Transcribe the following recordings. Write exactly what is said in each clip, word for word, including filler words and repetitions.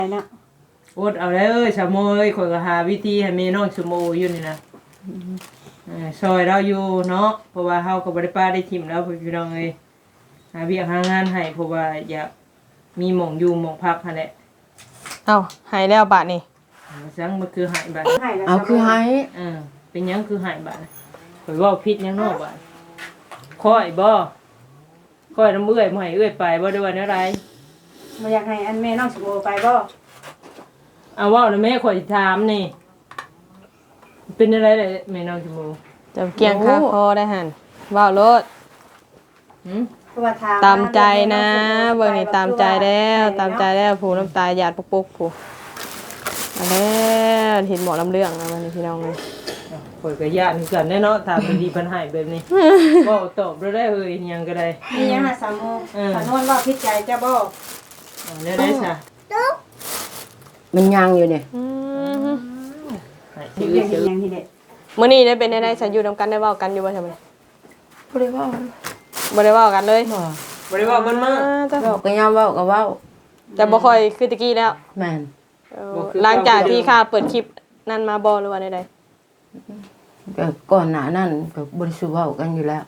เนาะอดเอาแล้วเอ้ยชะโมยข่อยก็หาวิธีให้แม่น้องชะโมอยู่นี่นะเออซอยเราอยู่เนาะเพราะว่าเฮาก็บ่ได้ป้าได้ทิ่มแล้วพี่น้องเอ้ยหาเวียกหางานให้เพราะว่าอยากมีหม่องอยู่หม่องพักหั่นแหละเอ้าหายแล้วบาดนี่จังมันคือหายบัดเอาคือให้เออเป็นหยังคือหายบัดข่อยเว้าผิดหยังเนาะบัดค่อยบ่ค่อยน้ำเอื้อยบ่ให้เอื้อยไปบ่ได้ว่าแนวใดบ่อยากให้อันแม่น้องสิโบไปบ่เอาเว้าแล้วแม่ข่อยสิถามนี่เป็นอะไรเลยแม่น้องชะโมจะเกียงคาคอได้หั่นว้าวโลดหึเพราะว่าถามตามใจนะเบิ่งนี่ตามใจแล้วตามใจแล้วผู้น้ำตาหยาดปุกๆผู้เอาแล้วเห็นหมอลำเรื่องนะวันนี้พี่น้องเลยข่อยก็ย่านคือกันแน่เนาะถามดีๆเพิ่นให้แบบนี้เว้าตอบบ่ได้เอ้ยหยังก็ได้มีหยังหาสามโมงเออถ้านอนว่าพิดใจจ้าบ่เอาแนวใดซะมันยังอยู่เนี่ยอืมให้ที่ที่เรีอื่ยนนสิเห็นหยังที่เด็ดมื้อนี้ได้เป็นได้ได้ฉันอยู่นำกันได้เว้ากันอยู่บ่ใช่มั้ยบ่ได้เว้าบ่ได้เว้ากันเลยบ่บ่ได้เว้ามันมาอ่าจ้ะเว้าก็ยามเว้าก็เว้าแต่บ่ค่อยคือตะกี้แล้วแม่นเออหลังจากที่ข้าเปิดคลิปนั่นมาบ่หรือว่าใดก็ก่อนหน้านั้นก็บ่ได้สู้เว้ากันอยู่แล้ว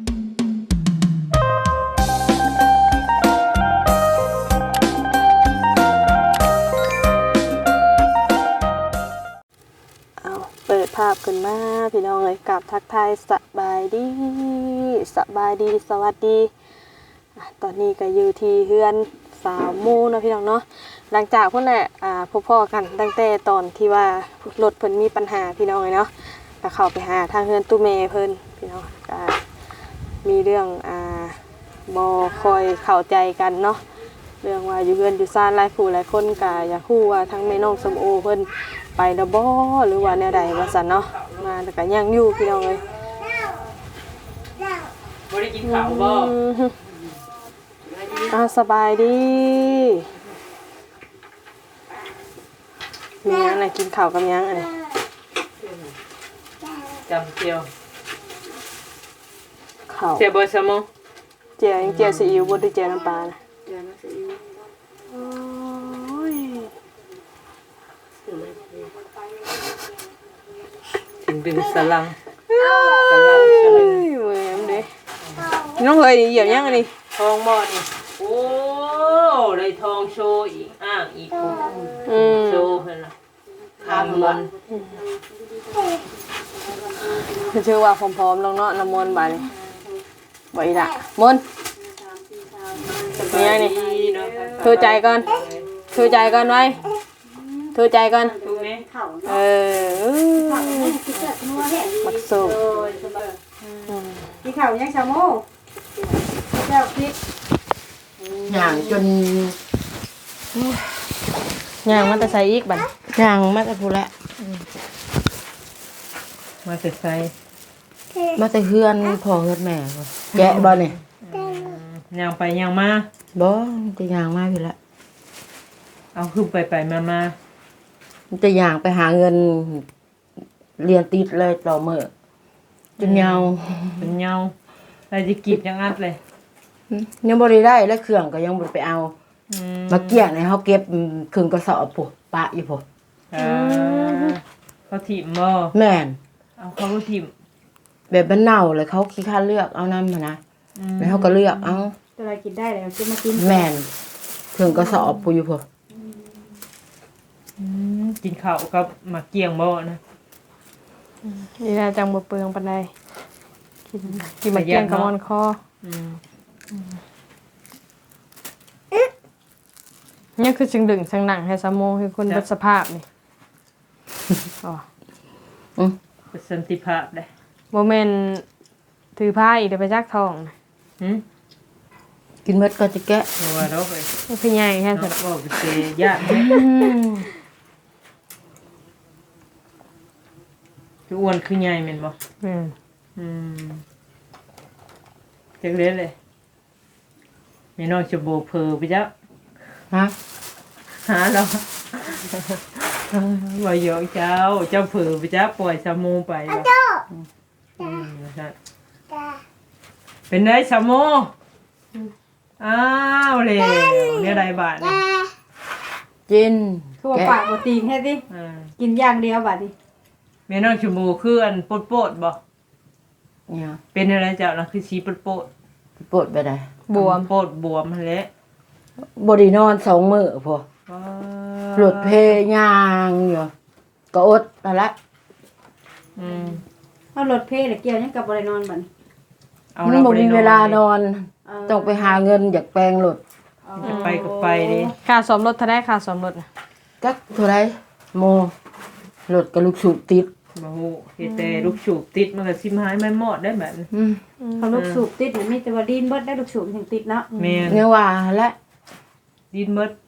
ๆเอาเปิดภาพขึ้นมาพี่น้องเลยกับทักทายสบายดีสบายดีสวัสดีอ่ะตอนนี้ก็อยู่ที่เฮือนสาวหมู่เนาะพี่น้องเนาะหลังจากพุ่นแหละอ่าพบพ่อกันตั้งแต่ตอนที่ว่ารถเพิ่นมีปัญหาพี่น้องเลยเนาะก็เข้าไปหาทางเฮือนตู้เมเพิ่นพี่น้องก็มีเรื่องอ่าบ่ค่อยเข้าใจกันเนาะเรื่องว่าอยู่เฮือนอยู่ซ่านหลายผู้หลายคนก็อยากฮู้ว่าทั้งแม่น้องสมโอเพิ่นไปแล้วบ่หรือว่าแนวใดว่าซั่นเนาะมาแล้วก็ยังอยู่พี่น้องเอ้ยบ่ได้กินข้าวบ่อืมอ่าสบายดีมียังไงกินข้าวกับยังไงจำเจียวข้าวเจียวบ่ซะโมเจียวยังเจียวซีอิ๊วบ่ได้เจียวน้ำปลานะโอ้ยถึงดึงสลังสลังสลังเว้ยมันดิน้องเฮยเหยียบยังอันนี้ทองบ่นี่โอ้ได้ทองโชว์อีกอ้างอีกปุ๊บอืมโชว์เพิ่นน่ะทำมันชื่อว่าพร้อมๆลงเนาะน้ำมนต์บาดนี่บ่อีละมนต์มียังนี่ถือใจก่อนถือใจก่อนไว้ถือใจก่อนถูกไหมข้าวเออคิดเกิดนัวแหละมักสู้ที่ข้าวยังสามโมงเจ้าคิดย่างจนย่างมันจะใส่อีกบัดย่างมาแต่พู้นแหละมาแต่ไสมาแต่เฮือนพ่อเฮือนแม่บ่แกะบ่นี่ย่างไปย่างมาบ่จะย่างมาพี่ละเอาขึ้นไปไปมามามันจะย่างไปหาเงินเรียนติดเลยต่อมื้อจนยาวเป็นเหงาอะไรสิกินจังอัดเลยยังบ่ได้ได้และเครื่องก็ยังบ่ได้ไปเอาอืมาเกี่ยงให้เฮาเก็บครึ่งกระสอบพุปะอยู่พุเออเขาถิ่มบ่แม่นเอาเขาก็ถิ่มแบบมันเน่าเลยเขาขี้ค้านเลือกเอานำหั่นนะแล้วเขาก็เลือกเอาตัวอะไรกินได้แล้วจะมากินแม่นครึ่งกระสอบพุอยู่พุอืมกินข้าวกับหมักเกียงบ่นะนี่น่าจังบ่เปลืองปานใดกินกินมาเกี้ยงกับมอนคออืมเนี่ยคือจึงดึงสังหนังให้สามโมงคือคนเบัดสภาพนี่อ๋ออือเป็นสันติภาพได้บ่แม่นถือผ้าอีกเดี๋ยวไปจักทองนะหึกินเม็ดก็จะแกะเพราะว่าเราไปนี่คือใหญ่แค่เนาะสุดบ่เป็นเตญาติเด้ คืออ้วนคือใหญ่แม่นบ่อืมอืมจักเล่นเลยแม่น้องจะโบเพอไปจ้ะฮะหาเราบ่ยอกเจ้าเจ้าเผลอไปจ้ะปล่อยสามูไปบ่อืมนะครับเป็นไงสามูอ้าวเลยเนี่ยใดบาทนี่จินคือว่าปากบ่ตีงแท้ติอ่ากินอย่างเดียวบัดนี้แม่น้องชมพูคืออันโปดๆบ่เนี่ยเป็นอะไรเจ้าน่ะคือสีโปดปวดไปได้ๆบวมโปดบวมนั่นแหละบ่ได้นอนสองมื้อพอว้าหลุดเพย่างอยู่ก็อดนั่นละอืมเอารถเพลแล้วเกี่ยวหยังกับบ่ได้นอนบัดนี้เอามันเราบ่บ่ได้มีนอนเวลานอนเออต้องไปหาเงินอยากแปลงรถจะไปก็ไปดิค่าสมรถเท่าได้ค่าสมรถน่ะจักเท่าไหร่โมรถกับลูกสูบติดบ่ฮู้เฮ็ดแต่ลูกสูบติดมันก็สิมหายไม่หมดได้แบบนี้อืมเขาลูกสูบติดนี่มีแต่ว่าดินเบิดได้ลูกสูบถึงติดเนาะแม่นเนี่ยว่าและดินหมด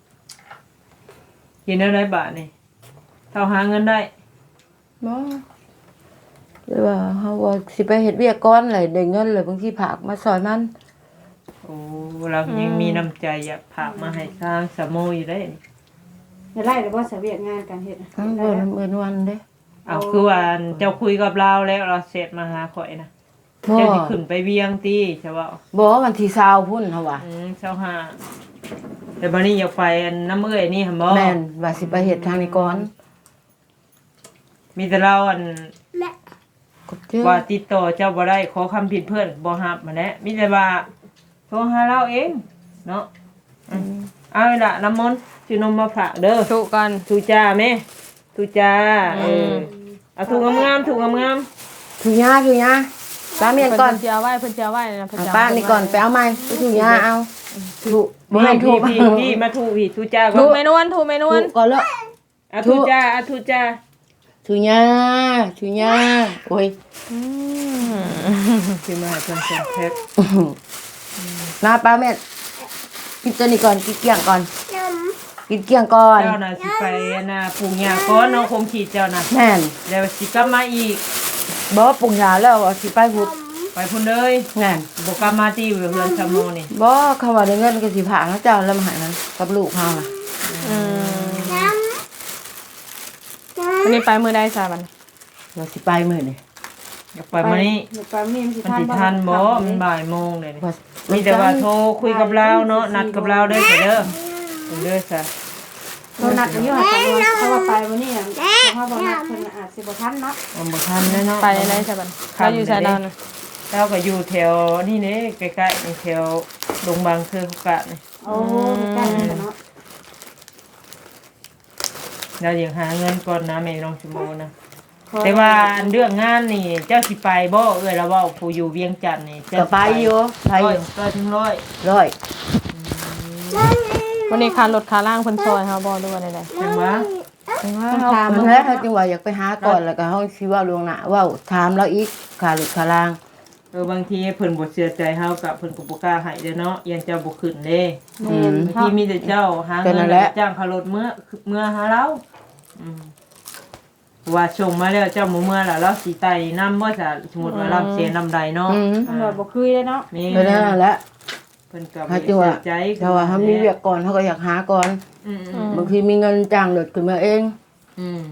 กินได้หลายบาทนี่เท่าหาเงินได้บ่เลยว่าเฮาว่าสิไปเฮ็ดเวียกก่อนเลยได้เงินเลยบางทีผากมาซอยมันโอ้เรายังมีน้ำใจอยากผากมาให้สร้างสะโมอยู่ได้นี่เดี๋ยวไล่แล้วบ่เสวียกงานการเฮ็ดน่ะทั้งได้เบิ่แล้วนเบิ่นวันเด้เอาคือว่าเจ้าคุยกับเราแล้วเราเสร็จมาหาข่อยนะบ่เจ้าสิขึ้นไปเวียงตีใช่ป่าบ่วันที่ยี่สิบพุ่นเฮาว่าอืมเช้าห้าแต่บัดนี้อยากไปอันน้ำเอ้ยนี่หั่นบ่แม่นว่าสิไปเฮ็ดทางนี้ก่อนมีแต่เราอันก็เจอว่าติดต่อเจ้าบ่ได้ขอคำผิดเพื่อนบ่รับมาแหละมีแต่ว่าโทรหาเราเองเนาะอืมเอาล่ะน้ำมนต์สินมมาฝากเด้อทุก่อนทูจ้าแม่ทูจ้าเออือมเอาถุงงามๆถุงงามถูกยาถูกยาป้าเมียนก่อนเพิ่นสิเอาไว้เพิ่นสิเอาไว้นะเพิ่นเอาสิเอป้านี่ก่อนไปเอาใหม่ไปถูกยาเอาถูกๆบ่ให้ถูพี่กพี่พี่มาถูพี่ทูจ้าก่ถูอนเมนวนถูเมนถูวนกก่อนแล้วเอาทูจ้าเอาทูจ้าถูกยาถูกยาโอ้ยอืมสิมาให้เพิ่นเซ็นแพ็คมาป้าเมียนกินตัวนี้ก่อนกินเกลี้ยงก่อนกินเกลี้ยงก่อนเจ้าน่ะสิไปน่ะปลูกหญ้าก่อนเนาะคงขีดเจ้าน่ะแม่นแล้วสิกลับมาอีกบ่ปรุงยาแล้วเอาสิไปพุดไปพุ่นเลยแม่นบ่กลับมาที่เรือนสะโมนี่บ่คำว่าได้เงินก็สิผ่าเขาเจ้าแล้วมาให้มันกับลูกเฮาน่ะอืมวันนี้ไปมื้อใดซะบัดนี้เราสิไปมื้อนี้อยากไปมื้อนี้เดี๋ยวไปมื้อนี้มันสิมันทันสิบ่ทันบ่ครับมันบ่ายโมงเลยนี่ว่ามีแต่ว่าโทรคุยกับเราเนาะนัดกับเราเด้อเด้อเด้อซะเรานัดกันอยู่หั่นแต่ว่าเพราะว่าไปมื้อนี้น่ะเพราะว่าบ่นัดเพิ่นน่ะอาจสิบ่ทันเนาะมันบ่ทันแน่เนาะไปไหนซะบัดนี้เราอยู่ไสดาวน่ะเราก็อยู่แถวนี่เด้ใกล้ๆนี่แถวดงบางเครือคุกะนี่โอ้ใกล้กันเนาะเราอยากหาเงินก่อนนะแม่น้องชมพูนะแต่ว่าอันเรื่องงานนี่เจ้าสิไปบ่เอ้ยเราเว้าผู้อยู่เวียงจันทน์นี่ก็ไปอยู่ไปร้ออย ยู่ร้อยถึงร้อยร้อยวันนี้ค่ารถค่าล่างเพิ่นซอยเฮาบ่หรือว่าใดจังหวะเฮาเพิ่นแล้วเขาจังว่าอยากไปหาก่อนแล้วก็เฮาสิเว้าล่วงหน้าเว้าถามเราอีกค่ารถค่าล่างเออบางทีเพิ่นบ่เชื่อใจเฮากับเพิ่นก็บ่กล้าให้เด้อเนาะอยังเจ้าบ่ขึ้นเด้แม่นบางทีมีแต่เจ้าหาก็เงินั่นนแหละจ้างเขารถเมื่อเมื่อหาเราอืมว่าส่งมาแล้วเจ้าหมู่เมื่อล่ะเราสิไต่นำบ่ซะสมมุติว่าเราเสียนำใดเนาะอืมตำรวจบ่คุยเลยเนาะแม่ก็นั่นแหละเพิ่นก็บ่เขาได้จังว่าเสียใจถ้าว่าเฮามีเวียกก่อนเฮาก็อยากหาก่อนอืมบางทีมีเงินจ้างรถขึ้นมาเองอืม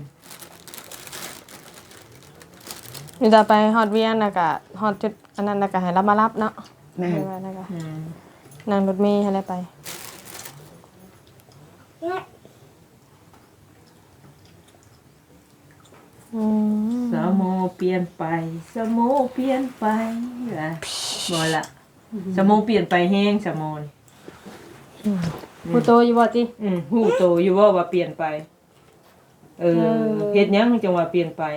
ๆมีแต่ไปฮอดเวียนน่ะก็ฮอดจุดอันนั้นน่ะก็ให้เรามารับเนาะแม่นว่านั่นก็อืมนั่งรถเมล์ให้ได้ไปอืมสมโมเปลี่ยนไปสมโมเปลี่ยนไปล่ะบ่ล่ะสมโมเปลี่ยนไปแฮงสมโมนี่ผู้โตอยู่บ่ติอืมฮู้โตอยู่ว่าว่าเปลี่ยนไป เออเออเฮ็ดหยังจังว่าเปลี่ยนไป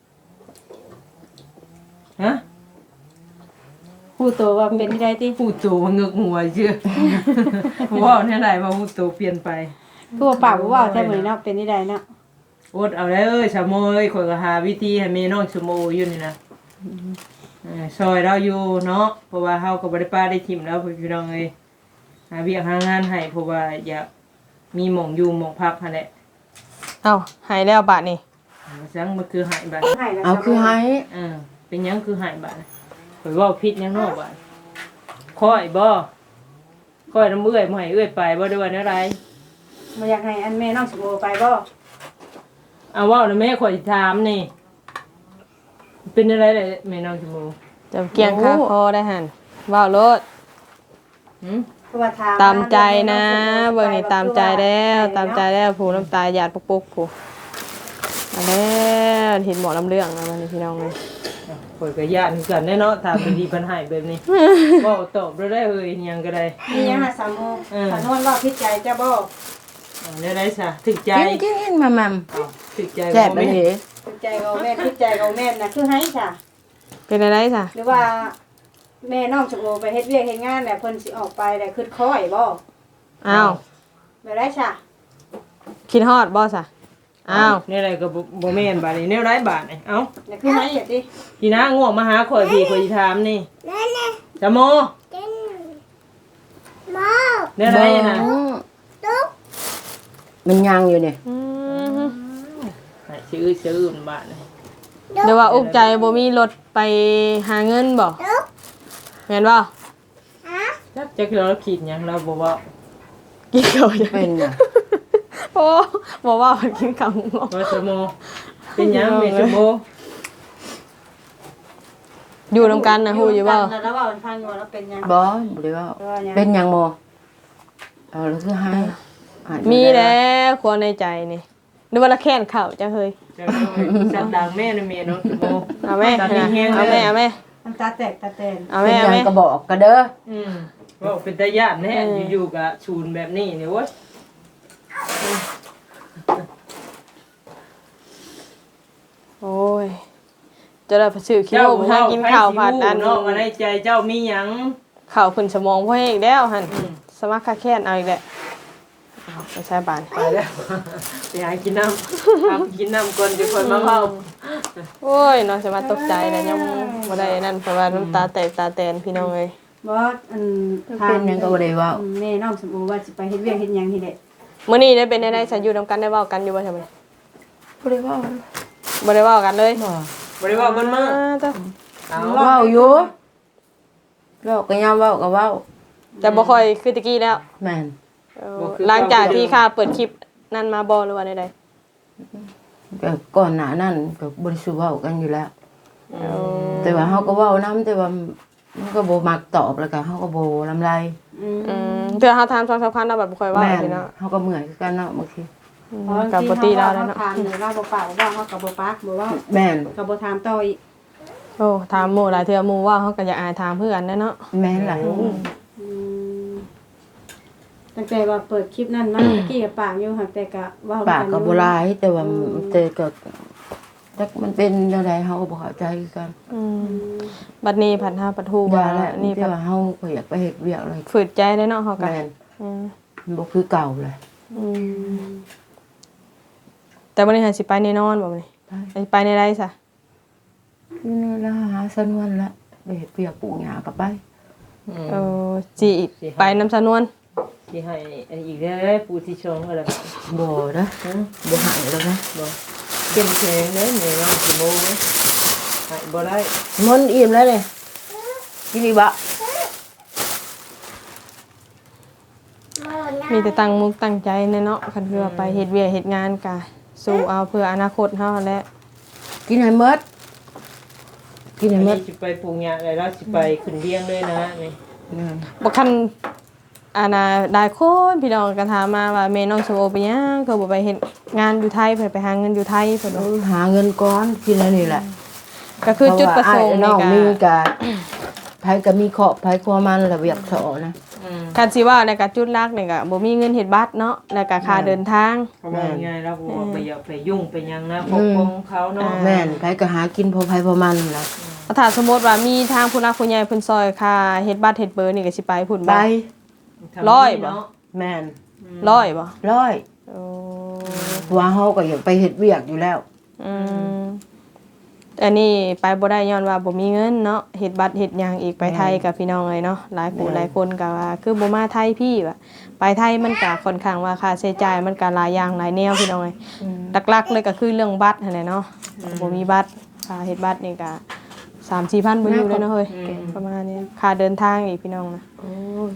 ฮะผู้โตว่าเป็นที่ใดติฮู้โตว่าเงึกหัวเชื่อ ว่าแน่ใดว่าฮู้โตเปลี่ยนไปคือว่าปากบ่เว้าแต่มื้อนี้เนาะเป็นที่ใดเนาะอดเอาแล้วเอ้ยสมโมเอ้ยข่อยก็หาวิธีให้แม่น้องสมโมอยู่นี่นะเออซอยเราอยู่เนาะเพราะว่าเฮาก็บ่ได้ป้าได้ทิ่มแล้วพี่น้องเอ้ยหาเวียกหางานให้เพราะว่าอยากมีหม่องอยู่หม่องพักหั่นแหละเอ้าหายแล้วบาดนี้ว่าจังมันคือหายบัดให้แล้วเอาคือให้เออเป็นหยังคือหายบัดข่อยเว้าผิดหยังเนาะบัดค่อยบ่ค่อยน้ำเอื้อยบ่ให้เอื้อยไปบ่ได้ว่าแนวใดบ่อยากให้อันแม่น้องสมโอไปบ่เอาเว้าแล้วแม่ข่อยสิถามนี่ เป็นอะไรเลยแม่น้องชมพูจะเกียงค่าคอได้หั่นเว้าโลดหืมโทรคือว่าถามตามใจนะเบิ่งนี่ตามใจแล้วตามใจแล้วผู้น้ำตาหยาดปุกๆผู้อันแล้วเห็นหมอลำเรื่องแล้วมันนี่พี่น้องเลยข่อยก็ย่านคือกันแน่เนาะถามดีๆปัญหาแบบนี้เว้าตอบบ่ได้เอ้ยหยังก็ได้มีหยังหาสามโมงสานวนว่าพิจัยจะบ่อ่าได้ได้ซะถึกใจกินกินกินมามัมอ้าวถึกใจแซ่บบ่ไปแม่เหพิจัยกับแม่พิจัยกับแม่น่ะคือให้จ้ะเป็นอะไรจ้ะหรือว่าแม่น้องชมโอไปเฮ็ดเวียกเฮ็ดงานแหละเพิ่นสิออกไปแต่คือค้อยบ่อ้าวไปได้จ้ะคิดฮอดบ่จ้ะอ้าวนี่อะไรก็บ่บ่แม่นบาดนี้แนวไรบาดนี่เอ้าน่ะคือให้อ่ะติพี่นะง่วงมาหาข่อยพี่ข่อยสิถามนี่จะโมแนวไรน่ะมันยังอยู่เนี่ยอืมให้ชื่อชื่อบาดนี่เดี๋ยวว่าอุกใจบ่มีรถไปหาเงินบ่แม่นบ่จักจักเราคิดหยังเราบ่เว้ากินข้าวยังเป็นน่ะโอ้บ่ว่ามันกินข้าวงอกว่าจะโมเป็นหยังแม่จะโมอยู่นำกันนะฮู้อยู่บ่แล้วแล้วว่ามันพังอยู่ว่าแล้วเป็นหยังบ่บ่ได้ว่าเป็นหยังบ่เอาแล้วคือให้อ่านมีแล้วควรในใจนี่นึกว่าละแค้นข้าวจ้ะเฮ้ยจะจัดดังแม่นะแม่เนาะจะโมเอาแม่ตอนนี้แห้งเอาเลแม่ยเอาแม่มันตาแตกตาแตนเอาเป็แม่นหเอายังแม่ก็บอกกันเด้ออืมว่าเป็นตาญาติแน่อยู่ๆก็ชูนแบบนี้นี่เว้ยโอ้ยจะได้ไปซื้อคิโลไปหากินข้าวผัดอันเนาะมาในใจเจ้ามีหยังข้าวขึ้นสมองพ่ออีกแล้วหั่นสมัครค่าแค้นเอาอีกแหละอ้าวไม่ใช่บานไปแล้วไปหากินน้ำเอากินน้ำก่อนจะคนมาเฝ้าโอ้ยน้องจะมาตกใจแล้วยังบ่ได้นั่นเพราะว่าน้ำตาแตกตาแตนพี่น้องเอ้ยบ่อันเป็นหยังก็บ่ได้เว้าแม่น้องชมโอว่าสิไปเฮ็ดเวียกเฮ็ดหยังนี่แหละมื้อนี้ได้เป็นได้ฉันอยู่นำกันได้เว้ากันอยู่บ่ใช่มั้ยบ่ได้เว้าบ่ได้เว้ากันเลยบ่บริวารมันมาอ่าจ้ะเอาเว้าอยู่เว้าก็ยามเว้าก็เว้าแต่บ่ค่อยคือตะกี้แล้วแม่นเออหลังจากที่ข้าเปิดคลิปนั่นมาบ่หรือว่าใดก็ก่อนหน้านั้นก็บ่ได้สู้เว้ากันอยู่แล้วๆเออแต่ว่าเฮาก็เว้านํแต่ว่ามันก็บ่มักตอบแล้วก็เฮาก็บ่ลำไรอืมอืมเพื่อเฮาถามสองสามครั้งแล้วแบบบ่ค่อยเว้าแม่นสิเนาะเฮาก็เมื่อยคือกันเนาะบางทีอืมเพราะกับบ่ตีเราแล้วเนาะถามนี่เราบ่ปากบ่ว่าเฮาก็บ่ปากบ่ว่าแม่นก็บ่ถามต่ออีกโอ้ถามหมู่หลายเทื่อหมู่ว่าเฮาก็อยากอายถามเพื่อนแน่เนาะแม่นล่ะอืมตั้งแต่ว่าเปิดคลิปนั้นมาตะกี้ก็ปากอยู่ค่ะแต่ก็เว้าปากก็บ่หลายแต่ว่าแต่ก็จักมันเป็นจังไดเฮาก็บ่เข้าใจคือกันอืมบัดนี้ผัดหาปัดฮู้ว่าว่าแล้วนี่แต่ผัดว่าเฮาก็อยากไปเฮ็ดเวียกเลยฝืดใจได้เนาะเฮาก็แม่นอืมมันบ่คือเก่าเลยอืมแต่วันนี้หาสิไปแน่นอนบ่มื้อนี้ไปไปไปในไรซะนี่ละหาสนวนละไปเฮ็ดเวียกปลูกหญ้าก็ไปเออสิไปนำสนวนที่ให้อันอีกได้ปูที่ชงอะไรบ่นะบ่หายแล้วนะบ่เข้มแข็งเลยแม่ว่าสิโมไหมหายบ่ได้มันอิ่มแล้วนี่กินอีกบ่มีแต่ตั้งมุกตั้งใจแน่เนาะคันคือว่าไปเฮ็ดเวียกเฮ็ดงานกะสู้เอาเพื่ออนาคตเฮาแหละกินให้หมดกินอัให้นหมนี้ดสิไปปลูกหญ้าอะไรแล้วสิไปขึ้นเลี้ยงเลยนะนี่อืมบ่คันอานาได้คนพี่น้องก็ถามมาว่าแม่น้องโซโอไปหยังก็บ่ไปเฮ็ดงานอยู่ไทยเพิ่นไปหาเงินอยู่ไทยเพิ่นเอว่าอหาเงินก่อนกินแล้วนี่แหละก็คือจุดประสงค์เพานี่ว่าอ้ายน้องก็มีกะไผก็มีเคราะห์ไผครัวมันระเบียบสอนะอืมคันสิว่าในก็จุดหลักนี่ก็บ่มีเงินเฮ็ดบัตรเนาะแล้วก็ค่าเดินทางเพราะว่าง่ายๆแล้วบ่ว่าไปอย่าไปยุ่งไปหยังนะปกป้องเขาเนาะแม่นไผก็หากินพอไผพอมันล่ะถ้าสมมุติว่ามีทางผู้รักผู้ใหญ่เพิ่นซอยค่าเฮ็ดบัตรเฮ็ดเบอร์นี่ก็สิไปพุ่นไปบ่ทำร้อยบ่เนาะแม่นร้อยบ่ร้อยโอ้เพราะว่าเฮาก็อยากไปเฮ็ดเวียกอยู่แล้วอืมอันนี้ไปบ่ได้ย้อนว่าบ่มีเงินเนาะเฮ็ดบัตรเฮ็ดหยังอีกไปไทยกับพี่น้องเลยเนาะหลายผู้หลายคนก็ว่าคือบ่มาไทยพี่ว่าไปไทยมันก็ค่อนข้างว่าค่าใช้จ่ายมันก็หลายอย่างหลายแนวพี่น้องเอ้ยหลักๆเลยก็คือเรื่องบัตรนั่นแหละเนาะบ่มีบัตรค่าเฮ็ดบัตรนี่ก็ สามสี่พันบ่อยู่เลยเนาะเฮ้ยประมาณนี้ค่าเดินทางอีกพี่น้องนะโอ้ย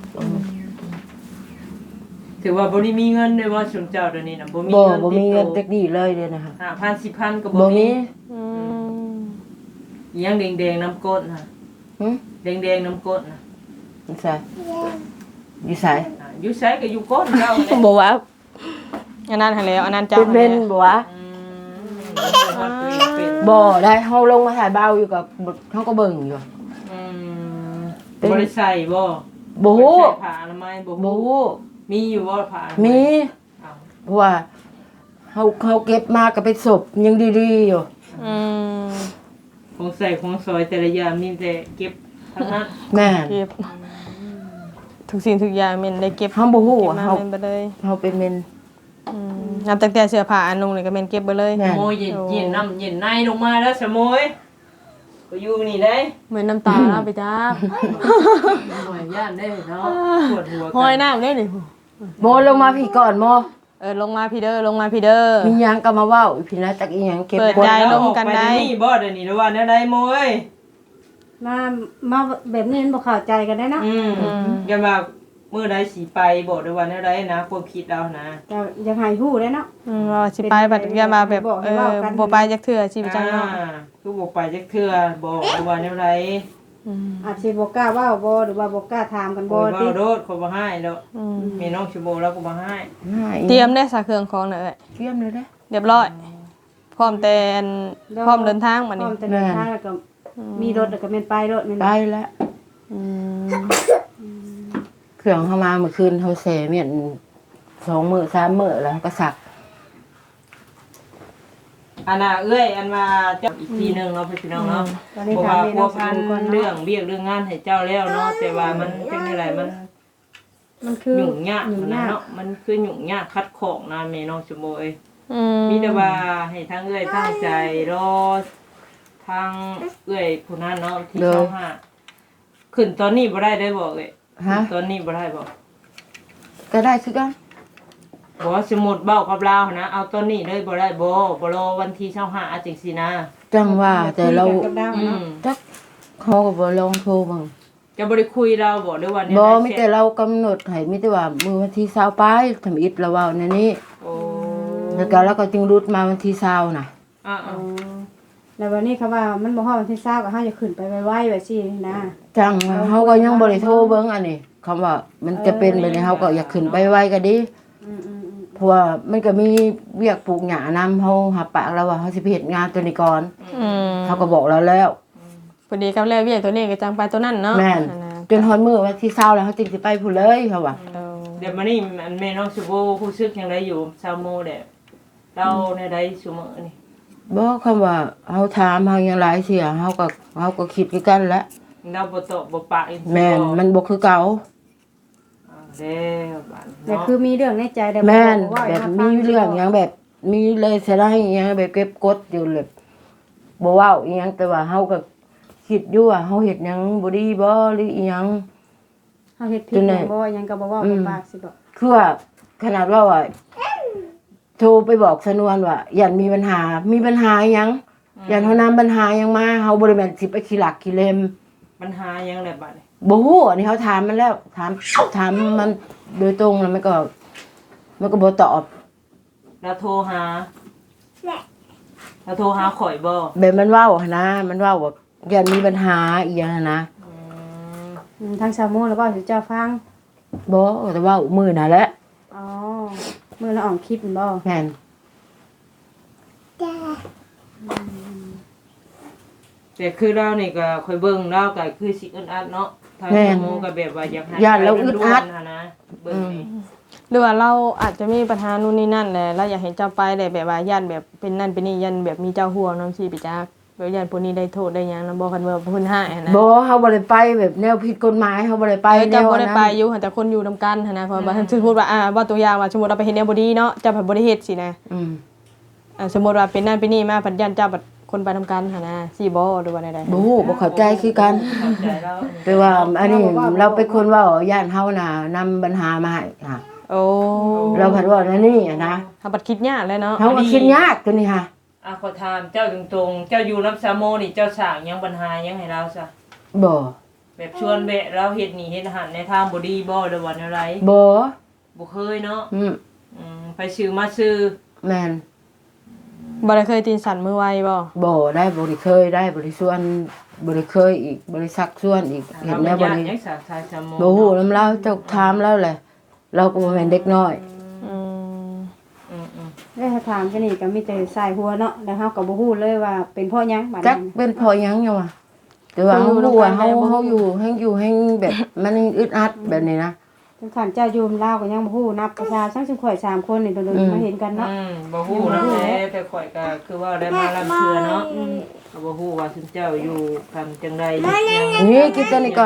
ถือว่าบ่ได้มีเงินด้วยว่าชุมเจ้าเดี๋ยวนี้น่ะบ่มีบ่เงินบ่มีเงินติจัดกดีเลยเด้อนะคะตัวห้าพัน สิบพันก็บ่บ่มีมีอืมอีหยังแดงๆน้ำก้นน่ะหึแดงๆน้ำก้นน่ะใช่อยู่ไสอ่าอยู่ไสก็อยู่ก้นเจ้าแหละบ่ว่าอันนั้นหันแล้วอันนั้นเจ้าเป็นเว้นบ่ว่าอืมเป็นบ่ได้เฮาลงมาถ่ายเบาอยู่กับเฮาก็เบิ่งอยู่อืมบ่ได้ใส่บ่บ่ฮู้ได้ใส่ผ้าอนามัยบ่บ่ฮู้ฮู้มีอยู่บ่ผ้าอนามัยมีอ้าวเพราะว่าเฮาเขาเก็บมาก็เป็นศพยังดีๆอยู่อืมของใส่ของซอยแต่ละอย่างมีแต่เก็บทั้งนั้นแม่นเก็บทุกสิ่งทุกอย่างแม่นได้เก็บเฮาบ่ฮู้เก็บว่ามาเฮาแม่นไปเลยเฮาเป็นเมนอืมนับตั้งแต่เสื้อผ้าอันนุ่งนี่ก็แม่นเก็บไปเลยแม่โมยเย็นเย็นน้ำเย็นในลงมาแล้วสมอยก็อยู่นี่ได้เหมือนน้ำตาเอาไปจ้าหน่อยย่านได้เนาะปวดหัวหอยน้ำได้นี่โมลงมาพี่ก่อนโมเออลงมาพี่เด้อลงมาพี่เด้อมีหยังก็มาเว้าอีพี่นะจักอีหยังเก็บเปิดกดใจแล้วลงกันได้ออปนี่บ่เดี๋ยวนี้แล้วว่าแนวใดโมยมามาแบบนี้มันบ่เข้าใจกันได้เนาะอืมกันว่ามื้อใดสิไปบ่เดี๋ยวว่าแนวใดนะความคิดเรานะแต่ยังให้ฮู้ได้เนาะอืมว่าสิไปบัดอย่ามาแบบบอกให้เออเว้ากันบ่ไปจักเทื่อสิไปจังเนาะอ่าคือบ่ไปจักเทื่อบ่เดี๋ยวว่าแนวใดอืมอาจสิบ่กล้าเว้าบ่หรือว่าบ่กล้าถามกันบ่บ่เว้าติโดดเขาบ่ให้ดอกอืมมีน้องชิโบแล้วก็บ่ให้ง่ายเตรียมได้สาเครื่องของน่ะเอ้ยเตรียมเลยเด้เรียบร้อย พร้อมแต่อันพร้อมเดินทางบัดพร้นี้อมจะเดินทางแล้วก็มีรถแล้วก็แม่นไปรถแม่นไปแล้วอืมเครื่องเข้ามาเมื่อคืนเขาเสเมียนสองมื้อสามมื้อแล้วก็สักอันน่ะเอ้ยอันมาเจ้าอีกทีหนึงเนาะพี่น้องเนาะตอนนี้เพราะถาว่ามแม่พัน้วองพันก่อนเรื่อเนาะงเรียกเรื่องงานให้เจ้าแล้วเนาะแต่ว่ามันเป็นอะไรมันมันคือยุ่งยากยุ่งนะยากเนาะมันคือยุ่งยากคัดของนะแม่น้องชิโบเอ้ยอืมมีแต่ว่าให้ทั้งเอ้ยตั้งใจรอทางเอ้ยผู้นั้นเนาะที่เจ้าห้าขึ้นตอนนี้บ่ได้ได้บอกเอ้ยฮะตอนนี้บ่ได้บอกก็ได้คือกันบอกว่าสมมุติเบ้ากับเรานะเอาตอนนี้เลยบ่ได้บ่บ่รอวันที่เช้าห้าจังซี่นะจังว่าแต่เราคุยกันกับดาวอืเนาะมจักเขาก็บ่ลองโทรบังจะบ่ได้คุยเราบ่ด้วยวันนี้บ่ได้มีเสร็จแต่เรากำหนดให้มีแต่ว่ามื้อวันที่ยี่สิบไปทำอิฐแล้วเว้าในนี้โอ้แล้วก็เราก็จึงรุดมาวันที่ยี่สิบน่ะอ่าอ๋อแล้ววันนี้เขาว่ามันบ่ฮอดวันที่ยี่สิบก็เฮาจะขึ้นไปไวๆแบบซี่นะจังว่าเฮาก็ยังบ่ได้โทรเบิ่งอันนี้คำว่ามันจะเป็นแบบนี้เฮาก็อยากขึ้นไปไวก็ดีอืมอืมอืมเพราะว่ามันก็มีเวียกปลูกหญ้านำเฮาหับปากแล้วว่าเฮาสิไปเฮ็ดงานตัวนี้ก่อนอืมเขาก็บอกเราแล้วพอดีกับแล้วเวียกตัวนี้ก็จังไปตัวนั้นเนาะแม่นอันะจนฮอดมื้อวันที่ยี่สิบแล้วเฮาจึงสิไปพุ่นเลยเขาว่าเอาเดี๋ยวมานี่อันแม่น้องสุโบรู้สึกจังไดอยู่ชาวโมเด้เราในใดซุมื้อนี่บ่คำว่าเฮาถามเฮายังหลายเสียเฮาก็เฮาก็คิดคือกันแหละเราบ่ตอบบ่ปากอีกแม่นมันบ่คือเก่าอ่าแล้วบาดแต่เนาะคือมีเรื่องในใจแต่แม่นบ่ว่าแบบให้มีฟัเรื่องหยังแบบมีเลยเสียดายหยังแบบเก็บกดอยู่เลยบ่เว้าอีหยังแต่ว่าเฮาก็คิดอยู่ว่าเฮาเฮ็ดหยังบ่ดีบ่หรืออีหยังเฮาเฮ็ดผิดจนไหนบ่หยังก็บ่เว้าอืบ่มปากสิบอกคือว่าขนาดว่าว่าโทรไปบอกสนวนว่ายันมีปัญหา มีปัญหาอิหยังยันเฮานำปัญหาหยังมาเฮาบ่ได้แม่นสิไปขี้หลักขี้เลมปัญหายังแหละบาดนี้บ่ฮู้อันนี้เขาถามมันแล้วถามถามมันโดยตรงแล้วมันก็มันก็บ่ตอบเราโทรหาเราโทรหาข่อยบ่แบบมันเว้าหั่นนะมันเว้าว่ายันมีปัญหาอีหยังหั้นนะอืมอืมทางชาวโมงแล้วเว้าสิเจ้าฟังบ่แต่เว้ามื้อน่ะแหละอ๋อมื้อละออกคลิปนั่นบ่แม่นแต่คือเรานี่ก็ค่อยเบิ่งเราก็คือสิอึดอัดเนาะทางสมมุก็แบบว่าอยากให้ย่านเราอึดอัดไปด่วนๆนะเบิ่งนี่หรือว่าเราอาจจะมีปัญหานู่นนี่นั่นแหละเราอยากเห็นเจ้าไปได้แบบว่าย่านแบบเป็นนั่นเป็นนี่ยันแบบมีเจ้าห่วงน้ำชีไปจักแบบยันพวกนี้ได้โทษได้หยังนำบ่คันว่าเพิ่นให้หั้นนะบ่เฮาบ่ได้ไปแบบแนวผิดกฎหมายเฮาบ่ได้ไปไปแนเจ้าว บ่ได้นั้นไปอยู่หั้นแต่คนอยู่นํกันหั้นนะเพราะว่าสมมุติว่าอ่าว่าตัวอย่างว่าสมมุติเราไปเฮ็ดแนวบ่ดีเนาะเจ้าผัดบ่ได้เฮ็ดสินะอืมอ่าสมมุติว่าเป็นนั่นเป็นนี่มาผัดยันเจ้าผัดคนไปนํกันหั้นนะสิบ่หรือว่าใดบ่ฮู้บ่เข้าใจคือกันเข้าใจแล้วแต่ว่าอันนี้เราเป็นคนเว้าย่านเฮาน่ะนำปัญหามาให้ค่ะๆโอ้เราผัดว่านั่นนี่อะนะถ้าบัดคิดยากเลยเนาะเฮาก็คิดยากตัวนี้ค่ะอ่ะขอถามเจ้าตรงๆเจ้าอยู่รับสามโมนี่เจ้าสร้างหยังปัญหาหยังให้เราซะบ่แบบชวนแวะเราเฮ็ดนี่เฮ็ดอาหารในทางบ่ดีบ่หรือว่าแนวใดบ่บ่เคยเนาะอืมอืมไปซื้อมาซื้อแม่นบ่ได้เคยตีนสั่นมือไวบ่บ่ได้บ่ได้เคยได้บ่ได้ชวนบ่ได้เคยอีกบ่ได้ซักชวนอีกเห็นแล้วบ่บ่ได้ยังสาสายชะโมบ่ฮู้นำเราเจ้าถามแล้วแหละเราก็บ่แม่นเด็กน้อยอืมอืมอืมได้ถ้าถามกันนี่ก็มีแต่สายหัวเนาะแล้วเฮาก็บ่ฮู้เลยว่าเป็นเพราะหยังบัดจักนี้เป็นเพอหยังยังวะแต่ว่าเฮารู้ว่าเฮาเฮาอยู่แฮงอยู่แฮงแบบมันอึดอัดแบบนี้นะถึงขันเจ้าอยู่ลาวก็ยังบ่ฮู้นับประชาชนซึ่งข่อยสามคนนี่โดนๆมาเห็นกันเนาะอืมบ่ฮู้นำแหละแต่ข่อยก็คือว่าได้มาลำเทื่อเนาะก็บ่ฮู้ว่าซุเจ้าอยู่กันจังไดอยู่ยังนี่กินตัวนี้ก่อน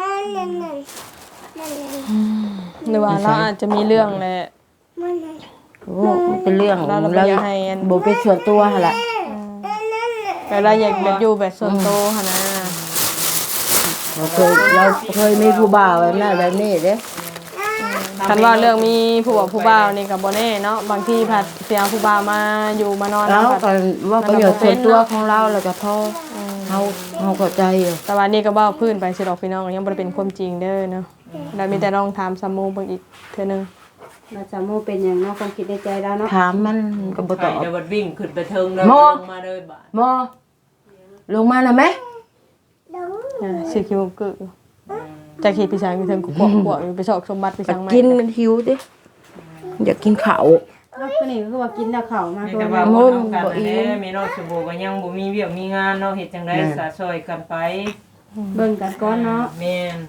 หรือว่าเราอาจจะมีเรื่องแหละโอ้มันเป็นเรื่องเราเราเราอยากให้อันบ่เป็นส่วนตัวหั่นล่ะแต่เราอยากแบบอยู่แบบส่วนตัวหั่นนะเราเคยเราเคยมีผู้บ่าวแบบนั้นแบบนี้เด้คันว่าเรื่องมีผู้บ่าวผู้บ่าวนี่ก็บ่แน่เนาะบางทีผัดเสียผู้บ่าวมาอยู่มานอนแล้วผัดก็ว่าประโยชน์ส่วนตัวของเราแล้วก็พอเฮาเฮาเข้าใจอยู่แต่ว่านี่ก็เว้าพื้นไปสิดอกพี่น้องยังบ่ได้เป็นความจริงเด้อเนาะแล้วมีแต่ลองถามซัมมูเบิ่งอีกเทื่อนึงเราจะโมเป็นหยังเนาะความคิดในใจแล้วเนาะถามมันก็บ่ตอบเดี๋ยวบัดวิ่งขึ้นไปเทิงแล้วมลองงมาเลยบาดมอลงมาน่ะแม่อ่าสิคิวกึจะขี่พี่ช้างอยู่เทิงกุกกวกอยู่ไปชอกสมบัติพี่ช้างใหม่กินมันหิวดิอยากกินข้าวแล้วก็นี่ก็คือว่ากินแล้วเข้าวมามีตัวแต่นึว่าง บ่นำกันนั่นแหละมีน้องสมบูรณ์ก็ยังบ่มีเวียกมีงานเนาะเฮ็ดจังได๋สาซอยกันไปเบิ่งกันก่อนเนาะแม่น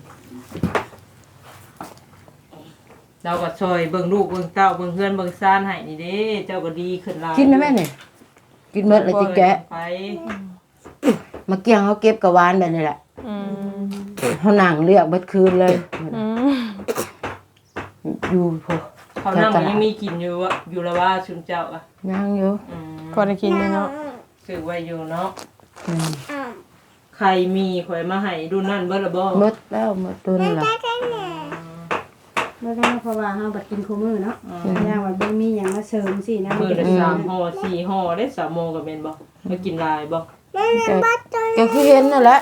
เราก็ช่วยเบิ่งลูกเบิ่งเต้าเบิ่งเพื่อนเบิ่งซ่านให้นี่เด้เจ้าก็ดีขึ้นหลายกินนะแม่เนี่ยกินหมดแล้วจิแกะไปมาเกี่ยงเขาเก็บกะวานแบบนี้แหละอืมเขาหนังเรียกเบิดคืนเลยอืมอยู่พอเขานั่งมันยังมีกินอยู่อะอยู่ละว่าชุมเจ้าอ่ะยังอยู่อืมก็ได้กินอยู่เนาะซื้อไว้อยู่เนาะอืมใครมีข่อยมาให้ดูนั่นเบิดละบ่หมดแล้วหมดตัวนี่ละแล้วก็เพราะว่าเฮาบัดกินคู่มื้อเนาะย่างว่าบ่มีหยังมาเสริมสินะมื้อแต่ละสามห่อสี่ห่อได้สามโมงก็แม่นบ่มากินหลายบ่ก็ก็คือเห็นนั่นแหละ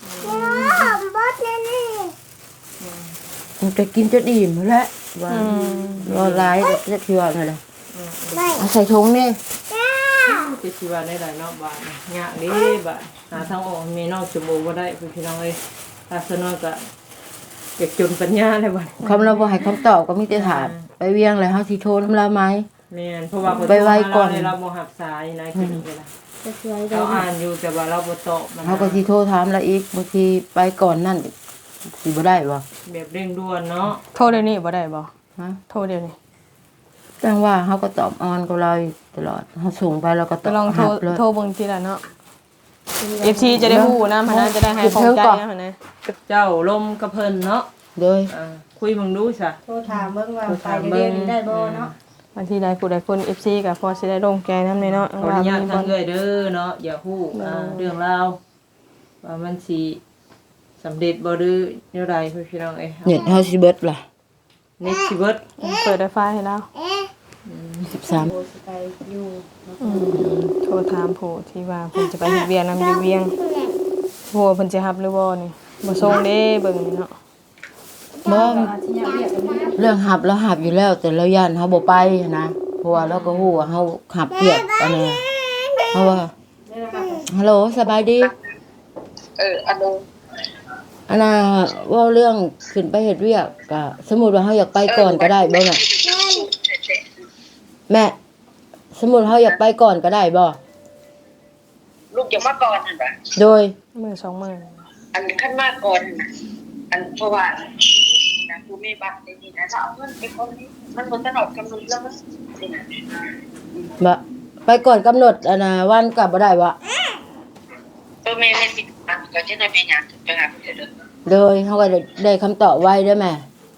มันจะกินจนอิ่มแล้วว่าอืมรอหลายจะเชื่อนั่นแหละเอาใส่ถุงนี่สิสิว่าได้หลายเนาะบาดนี่ยากเด้บาดหาทางออกมีน้องสมบูรณ์บ่ได้พี่น้องเอ้ยถ้าซะน้อยก็อยากจนปัญญาเลยบัดคำเราบ่ให้คำตอบก็มีแต่ถามไปเวียงเลยเฮาสิโทรน้ำลาไหมแม่นเพราะว่าไปไว้ก่อนเราบ่รับสายนะคิดนี่ล่ะจะช่วยได้เราอ่านอยู่แต่ว่าเราบ่ตอบมันเฮาก็สิโทรถามละอีกบางทีไปก่อนนั่นสิบ่ได้บ่แบบเร่งด่วนเนาะโทรเดี๋ยวนี้บ่ได้บ่ฮะโทรเดี๋ยวนี้จังว่าเฮาก็ตอบออนกับเราอยู่ตลอดเฮาส่งไปเราก็ตจะอบลองโทรรับเลยโทรเบิ่งทีละเนาะ เอฟ ซี จะได้ฮู้นะมันน่าจะได้ให้ของใจนะมันนะเจ้าลมกระเพิ่นเนาะโดยอ่าคุยมึงดูซะโทรถามเบิ่งว่าไปเดี๋ยวนี้ได้บ่เนาะบางทีได้ผู้ใดคน เอฟ ซี ก็พอสิได้ลงแกนำเลยเนาะขออนุญาตทางเอ้ยเด้อเนาะอย่าฮู้อ่าเรื่องราวว่ามันสิสำเร็จบ่หรือแนวใดพี่น้องเอ้ยเน็ตเฮาสิเบิดล่ะเน็ตสิเบิดเปิดไวไฟให้แล้วสิบสามโทรสิไปอยู่อืมโทรถามผู้ที่ว่าเพิ่นจะไปเฮ็ดเวียงนำอยู่เวียงโหเพิ่นสิรับหรือบ่นี่บ่ส่งเด้เบิ่งนี่เนาะบ่อาทิตย์ยังเรียกกันอยู่เรื่องหับแล้วหับอยู่แล้ว แต่เราย่านเฮาบ่ไปนะเพราะว่าเราก็ฮู้ว่าเฮาหับเปียกอันนี้เพราะว่าฮัลโหลสบายดีเอออันนู้นอันน่ะเว่าเรื่องขึ้นไปเฮ็ดเวียกก็สมมุติว่าเฮาอยากไปก่อนก็ได้บ่แม่แม่สมมุติเฮาอยากไปก่อนก็ได้บ่ลูกจะมาก่อนเห็นปะโดยมื้อสองมื้ออันขั้นมาก่อนนะอันเพราะว่านะกูมีบัตรในนี้นะถ้าเอาเงินไปคนนี้มันหมดตลอดกำหนดแล้วมันนี่นะบ่ไปก่อนกำหนดอันน่ะวันก็บ่ได้บ่เออแม่ให้สิบอันก็จะได้ไปงานถึงไปหาเพื่อนเด้อโดยเฮาก็ได้ได้คำตอบไว้เด้อแม่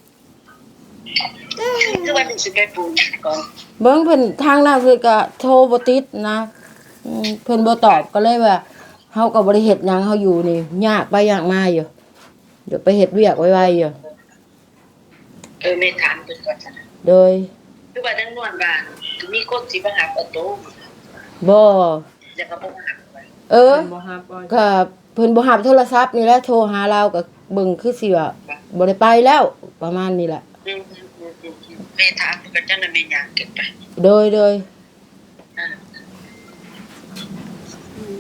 คือวันหนึ่งสิไปปูนก่อนเบิ่งเพิ่นทางนั้นเพิ่นก็โทรบ่ติดนะอืมเพิ่นบ่ตอบก็เลยว่าเฮาก็บ่ได้เฮ็ดหยังเฮาอยู่นี่ยากไปยากมาอยู่เดี๋ยวไปเฮ็ดเวียกไวๆอยู่เออแม่ถามเพิ่นก่อนจ้ะโดยคือว่าดังนวลบ้านมีคนสิมาหาประตูบ่จะก็บ่มาหาไปเออเพิ่นบ่รับบ่ก็เพิ่นบ่รับโทรศัพท์นี่แหละโทรหาเราก็เบิ่งคือสิว่าบ่ได้ไปแล้วประมาณนี้แหละอืมแม่ถามเพิ่นก็จังได้แม่ย่างเก็บไปโดยโดยอ่า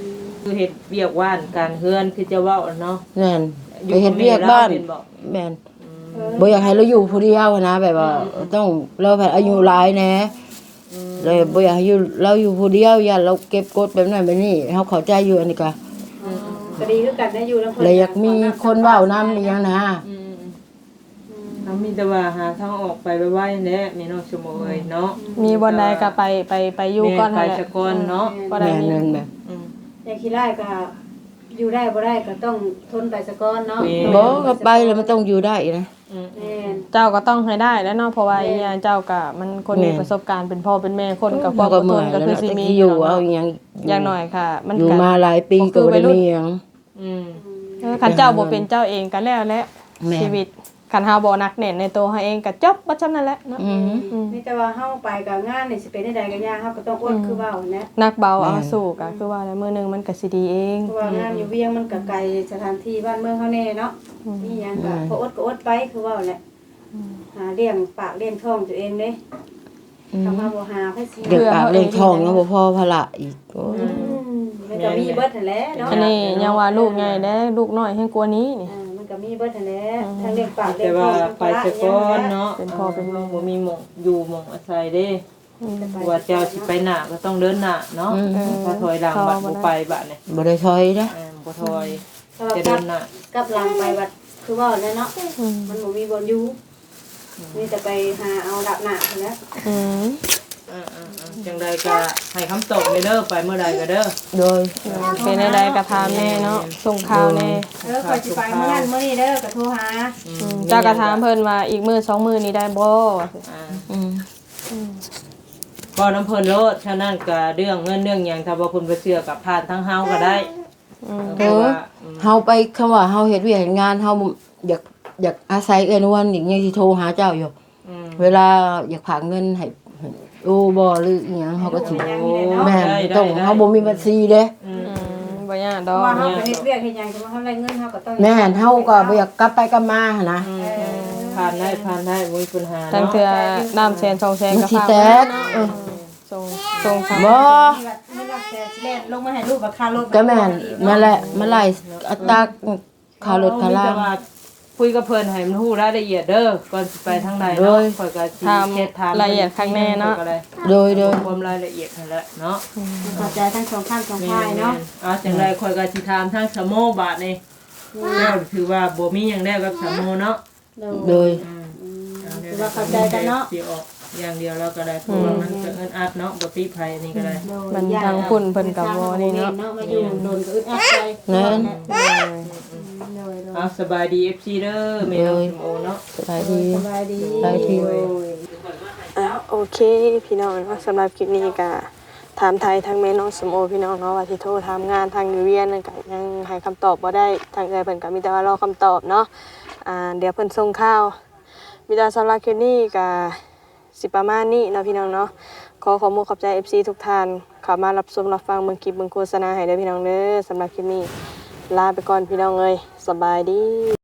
คือเฮ็ดเวียกว่านการเฮือนคือจะเว้าเนาะแม่นไปเฮ็ดเวียกบ้านแม่นบ่อยากให้เราอยู่ผู้เดียวนะแบบว่าต้องเราแบบอายุหลายแหน่เลยบ่อยากให้อยู่เราอยู่ผู้เดียวอย่าเราเก็บกดแบบนั้นแบบนี้เฮาเข้าใจอยู่อันนี้ก็ก็ดีคือกันได้อยู่แล้วเลยอยากมีคนเว้านำอีหยังนะอืมเขามีแต่ว่าหาทางออกไปไว้ๆแหละแม่น้องชมเอ้ยเนาะมีบ่ใดก็ไปไปไปอยู่ก่อนไปหั่นแหละซะก่อนเนาะบ่ได้แม่นมีนั่นแบบอืมอย่างขี้ไล่ก็อยู่ได้บ่ได้ก็ต้องทนไปซะก่อนเนาะบ่ก็ไปแล้วมันต้องอยู่ได้นะอืมแม่นเจ้าก็ต้องให้ได้แล้วเนาะเพราะว่าอีหยังเจ้าก็มันคนมีประสบการณ์เป็นพ่อเป็นแม่คนกับคเราวามอก็ดทเมื่อน ยก็แล้วคือเนาะสิแต่มีที่ออยู่ ยู่เนาะเอาอีหยังอย่างน้อยค่ะ มันอยู่ก็มาหลายปีก็บ่ได้มีหยังอืมเออคันเจ้าบ่เป็นเจ้าเองก็แล้วแหละแม่นชีวิตคันเฮาบ่นักแน่นในตัวเฮาเองก็จบบ่จำนั่นแหละเนาะอืมอืมนี่แต่ว่าเฮาไปกับงานนี่สิเป็นได้ใดก็ยากเฮาก็ต้องอดคือเว้านะนักเบาแม่นเอาสู้ก็คือว่าแล้วมื้อหนึงมันก็สิดีเองเพราะว่างานอยู่เวียงมันก็ไกลสถานที่บ้านเมืองเฮาแน่เนาะนี่หยังก็พออดก็อดไปคือเว้าแหละหาเลี้ยงปากเลี้ยงท้องตัวเองเด้ทำมาบ่หาไผสิเด็กปากเรื่องทองยังบ่พอภาระอีกโอ้ยมันก็มีเบิดนั่นแหละเนาะอันนี้ยังว่าลูกใหญ่เด้ลูกน้อยแฮงกว่านี้นี่อ่ามันก็มีเบิดนั่นแหละทั้งเลี้ยงปากเลี้ยแต่งท้ว่าองไปซะก่อนเนาะเป็นพ่อเป็นแม่บ่มีหม่องอยู่หม่องอาศัยเด้ว่าเจ้าสิไปหน้าก็ต้องเดินหน้าเนาะอืมถ้าถอยหลังบัดบ่ไปบัดนี่บ่ได้ถอยนะอ่าบ่ถอยถ้าว่าจะกเดิลับนหน้ากับหลังไปบัดคือเว้าแหละเนาะอืมมันบ่มีบ่อนอยู่มีแต่ไปหาเอาดับหน้าเท่านั้นอืมอ่าๆๆจังใดก็ให้คำตอบเลยเด้อไปเมื่อใดก็เด้อโดยเป็นได้ๆก็ถามแน่เนาะส่งข่าวแน่เออคอยสิไปมื้อนั้นมื้อนี้เด้อก็โทรหาอือืมมเจ้าก็ถามเพิ่นว่าอีกมื้อสองมื้อนี้ได้บ่อ่าอืมก็น้ำเพิ่นโลดฉะนั้นก็เรื่องเงินเรื่องหยังถ้าบ่เพิ่นบ่เชื่อก็ผ่านทางเฮาก็ได้อืมเพราะว่าอืมเฮาไปคำว่าเฮาเฮ็ดเวียกเฮ็ดงานเฮาอยากอยากอาศัยเอื้อนวันอีกยังสิโทรหาเจ้าอยู่อืมเวลาอยากฝากเงินให้โอ้บ่หรืออีหยังเฮาก็สิอย่างนี้เลยเนาะแม่นต้องเฮาบ่มีบัญชีเด้อืมอืมบ่ยากดเพอราะกว่าเฮาก็เฮ็ดเวียกเฮ็ดหยังแต่ว่าเฮาได้เงินเฮาก็ต้องแม่นเฮาก็บ่อยากกลับไปกลับมาหั่นนะอืมผ่านได้ผ่านได้บ่มีปัญหาทั้งเนาะเทื่อน้ำแสนสองแสนมันก็สิฝากแตไว้กเออส่งส่งฝากบ่ไม่รักแต่สิแล่นลงมาให้ลูกกับค่ารถก็แม่นนั่นแหละมันไล่อัตราค่ารถค่าลามีแต่ว่าคุยกับเพิ่นให้มันฮู้รายละเอียดเด้อก่อนสิไปทางใดโดเนาะยข่อยก็สิถามเฮ็ดถามรายละเอียดข้างแน่เนาะก็ได้โดยโดยความรายละเอียดนั่นแหละเนาะเข้าใจทั้งสองข้างสองแม่ฝ่ายเนาะๆอ่าจังไดข่อยก็สิถามทางสโมบาทนี่แล้วถือว่าบ่มีหยังแล้วกับสโมเนาะโดยอืมคือว่าเข้าใจกันเนาะสิออกอย่างเดียวแล้วก็ได้เพราะว่ามันก็เอิ้นอัดเนาะบ่ติภัยนี่ก็ได้มันทางคุณเพิ่นก็บ่นี่เนาะมาอยู่โดนก็อึดอัดใจนั่นเอาสบายดี เอฟ ซี เด้อแม่น้องสมโอเนาะสบายดีสบายดีได้ที่อ่ะโอเคพี่น้องเนาะสำหรับคลิปนี้ก็ถามไทยทางแม่น้องสมโอพี่น้องเนาะว่าที่โทรถามงานทางอยู่เวียนนั่นก็ยังให้คำตอบบ่ได้ทางใจเพิ่นก็มีแต่ว่ารอคำตอบเนาะอ่าเดี๋ยวเพิ่นส่งข่าวมีแต่สำหรับคลิปนี้ก็สิประมาณนี้เนาะพี่น้องเนาะขอขอบคุณขอบใจ เอฟ ซี ทุกท่านเข้ามารับชมรับฟังเบิ่งคลิปเบิ่งโฆษณาให้เด้อพี่น้องเด้อสำหรับคลิปนี้ลาไปก่อนพี่น้องเอ้ยสบายดี